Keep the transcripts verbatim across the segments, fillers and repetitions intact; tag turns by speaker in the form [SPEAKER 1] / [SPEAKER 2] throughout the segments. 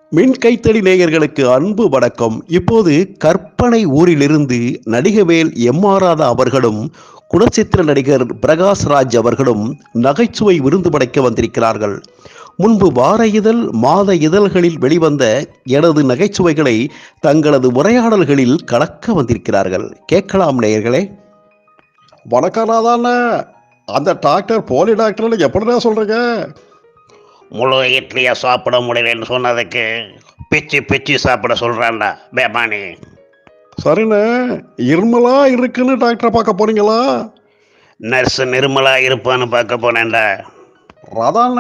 [SPEAKER 1] மின் கைத்தடி நேயர்களுக்கு அன்பு வணக்கம். இப்போது கற்பனை ஊரிலிருந்து நடிகவேல் எம் ஆர் ராதா அவர்களும் குணச்சித்திர நடிகர் பிரகாஷ் ராஜ் அவர்களும் நகைச்சுவை விருந்து படைக்க வந்திருக்கிறார்கள். முன்பு வார இதழ் மாத இதழ்களில் வெளிவந்த எனது நகைச்சுவைகளை தங்களது உரையாடல்களில் கலக்க வந்திருக்கிறார்கள். கேட்கலாம் நேயர்களே.
[SPEAKER 2] வணக்கம் ராதாண்ண. அந்த டாக்டர் போலி டாக்டர்னு எப்படிதான் சொல்றீங்க?
[SPEAKER 3] முழு இட்லியை சாப்பிட முடியலன்னு சொன்னதுக்கு பிச்சு பிச்சு சாப்பிட சொல்கிறான்டா பேமானி.
[SPEAKER 2] சரிண்ணே, இருமலா இருக்குன்னு டாக்டரை பார்க்க போறீங்களா?
[SPEAKER 3] நர்ஸு நிர்மலா இருப்பான்னு பார்க்க போனேன்டா.
[SPEAKER 2] ராதாண்ண,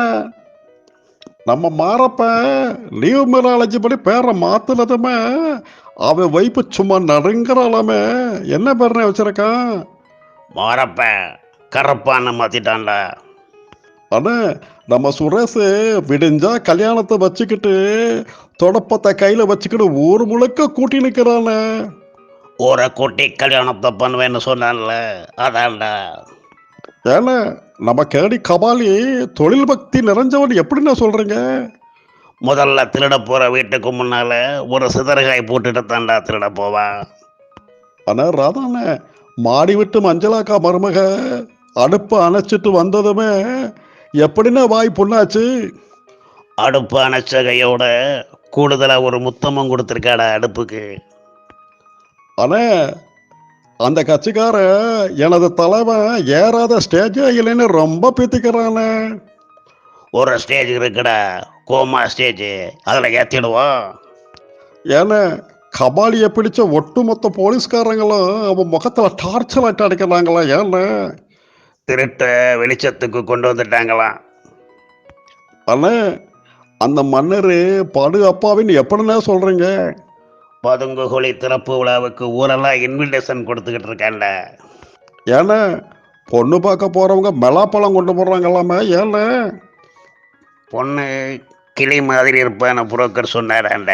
[SPEAKER 2] நம்ம மாறப்ப லீவ் மேலாலஜி படி பேரை மாத்துனதுமே அவன் வைப்பு சும்மா நடுங்கிறாளாமே. என்ன பேர்னே வச்சிருக்கான்?
[SPEAKER 3] மாறப்ப கரப்பான்னு மாற்றிட்டான்டா.
[SPEAKER 2] அண்ணே, நம்ம சுரேஷ் விடிஞ்சா கல்யாணத்தை வச்சுக்கிட்டு தொடப்பத்தை கையில வச்சுக்கிட்டு ஊர் முழுக்க கூட்டி நிற்கிறானே.
[SPEAKER 3] ஊரை கூட்டி கல்யாணத்தை பண்ணுவேன்னு சொன்னான்ல, அதான்டா.
[SPEAKER 2] ஏன்னா நம்ம கேடி கபாலி தொழில் பக்தி நிறைஞ்சவன் எப்படின்னா சொல்றீங்க?
[SPEAKER 3] முதல்ல திருட போகிற வீட்டுக்கு முன்னால ஒரு சிதறகாய் போட்டுட்டு தான்டா திருட போவான்.
[SPEAKER 2] ஆனா ராதாண்ண, மாடி விட்டு மஞ்சளாக்கா மருமக அடுப்பை அணைச்சிட்டு வந்ததுமே எப்படின்னா வாய் புண்ணாச்சு.
[SPEAKER 3] அடுப்பு அணைச்ச கையோட கூடுதலாக ஒரு முத்தமும் கொடுத்துருக்காடா அடுப்புக்கு.
[SPEAKER 2] ஆனா அந்த கட்சிக்கார எனது தலைவன் ஏறாத ஸ்டேஜே இல்லைன்னு ரொம்ப பீத்திக்கிறானே.
[SPEAKER 3] ஒரு ஸ்டேஜ் இருக்குடா, கோமா ஸ்டேஜ், அதில் ஏற்றிடுவோம்.
[SPEAKER 2] ஏன்னா கபாலியை பிடிச்ச ஒட்டுமொத்த போலீஸ்காரங்களும் அவன் முகத்துல டார்ச்சர் லைட் அடிக்கிறாங்களா? ஏன்னா
[SPEAKER 3] திருட்ட வெளிச்சத்துக்கு கொண்டு வந்துட்டாங்களாம்.
[SPEAKER 2] அண்ணே, அந்த மன்னர் படு அப்பாவின்னு எப்படின்னா சொல்றீங்க?
[SPEAKER 3] பதுங்கு குழி திறப்பு விழாவுக்கு ஊரெல்லாம் இன்விடேஷன் கொடுத்துக்கிட்டு இருக்கான்ல.
[SPEAKER 2] ஏன்னா பொண்ணு பார்க்க போறவங்க மெலாப்பழம் கொண்டு போடுறாங்களாமே. ஏன்னா
[SPEAKER 3] பொண்ணு கிளி மாதிரி இருப்பான்னு புரோக்கர் சொன்னாராண்ட.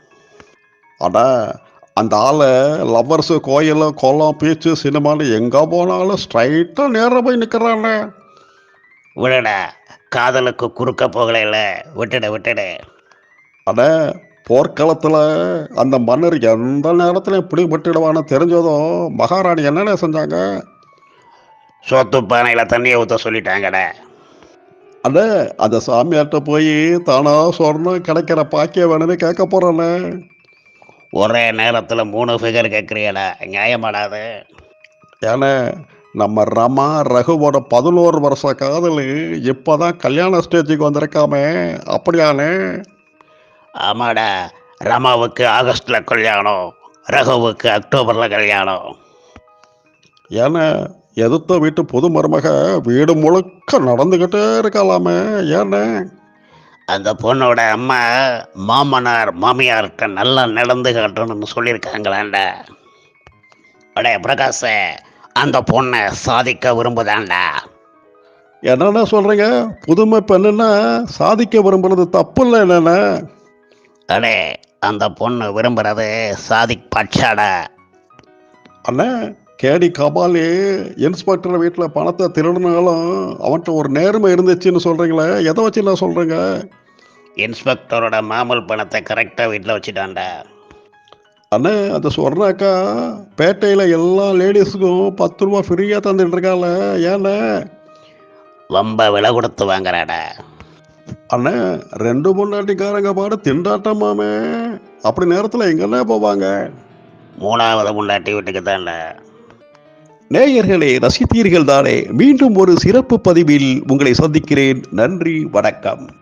[SPEAKER 2] அடா, அந்த ஆளை லவ்வர்ஸு கோயில் குளம் பீச்சு சினிமான்னு எங்கே போனாலும் ஸ்ட்ரைட்டாக நேராக போய் நிற்கிறானே.
[SPEAKER 3] விடடா, காதலுக்கு குறுக்க போகலைல, விட்டுடு விட்டுடு.
[SPEAKER 2] அட, போர்க்களத்தில் அந்த மன்னர் எந்த நேரத்துலையும் பிடிபட்டுடுவான்னு தெரிஞ்சதும் மகாராணி என்னென்ன செஞ்சாங்க?
[SPEAKER 3] சோத்து பானையில் தண்ணியை ஊற்ற சொல்லிட்டாங்கடா.
[SPEAKER 2] அட, அந்த சாமியார்கிட்ட போய் தானா சொர்ணம் கிடைக்கிற பாக்கிய வேணும்னு கேட்க போகிறானே.
[SPEAKER 3] ஒரே நேரத்தில் மூணு ஃபிகர் கேட்குறியடா, நியாயமாடாது.
[SPEAKER 2] ஏன்னா நம்ம ரமா ரகுவோட பதினோரு வருஷ காதல் இப்போதான் கல்யாண ஸ்டேஜுக்கு வந்திருக்காமே. அப்படியானே?
[SPEAKER 3] ஆமாடா, ரமாவுக்கு ஆகஸ்டில் கல்யாணம், ரகுவுக்கு அக்டோபரில் கல்யாணம்.
[SPEAKER 2] ஏன்னா எதிர்த்த வீட்டு புது மருமக வீடு முழுக்க நடந்துக்கிட்டே இருக்கலாமே. ஏன்னா
[SPEAKER 3] அந்த பொண்ணோட அம்மா மாமனார் மாமியார்கிட்ட நல்லா நடந்து காட்டணும்னு சொல்லியிருக்காங்களாண்டா. அடே பிரகாஷ, அந்த பொண்ணை சாதிக்க விரும்புதாண்டா.
[SPEAKER 2] என்னென்ன சொல்கிறீங்க? புதுமை பெண்ணுன்னா சாதிக்க விரும்புறது தப்பு இல்லை என்னென்ன?
[SPEAKER 3] அடே, அந்த பொண்ணு விரும்புறது சாதிக் பட்சாடா.
[SPEAKER 2] அண்ணே, கேடி கபாலி இன்ஸ்பெக்டர் வீட்டில் பணத்தை திருடினாலும் அவன்கிட்ட ஒரு நேர்மை இருந்துச்சுன்னு சொல்கிறீங்களே, எதை வச்சு நான் சொல்கிறேங்க?
[SPEAKER 3] இன்ஸ்பெக்டரோட மாமூல் பணத்தை கரெக்டாக வீட்டில் வச்சுட்டான்டா.
[SPEAKER 2] அண்ணே, அந்த சொர்ணாக்கா பேட்டையில் எல்லா லேடிஸுக்கும் பத்து ரூபா ஃப்ரீயாக தந்துட்டு இருக்கால. ஏண்ணே
[SPEAKER 3] ரொம்ப விலை கொடுத்து வாங்குறாடா.
[SPEAKER 2] அண்ணே, ரெண்டு முன்னாட்டிக்காரங்க பாடு திண்டாட்டமாமே. அப்படி நேரத்தில் எங்கண்ணே போவாங்க?
[SPEAKER 3] மூணாவது முன்னாட்டி வீட்டுக்கு தான்டா.
[SPEAKER 1] நேயர்களே, ரசித்தீர்கள் தானே? மீண்டும் ஒரு சிறப்பு பதிவில் உங்களை சந்திக்கிறேன். நன்றி, வணக்கம்.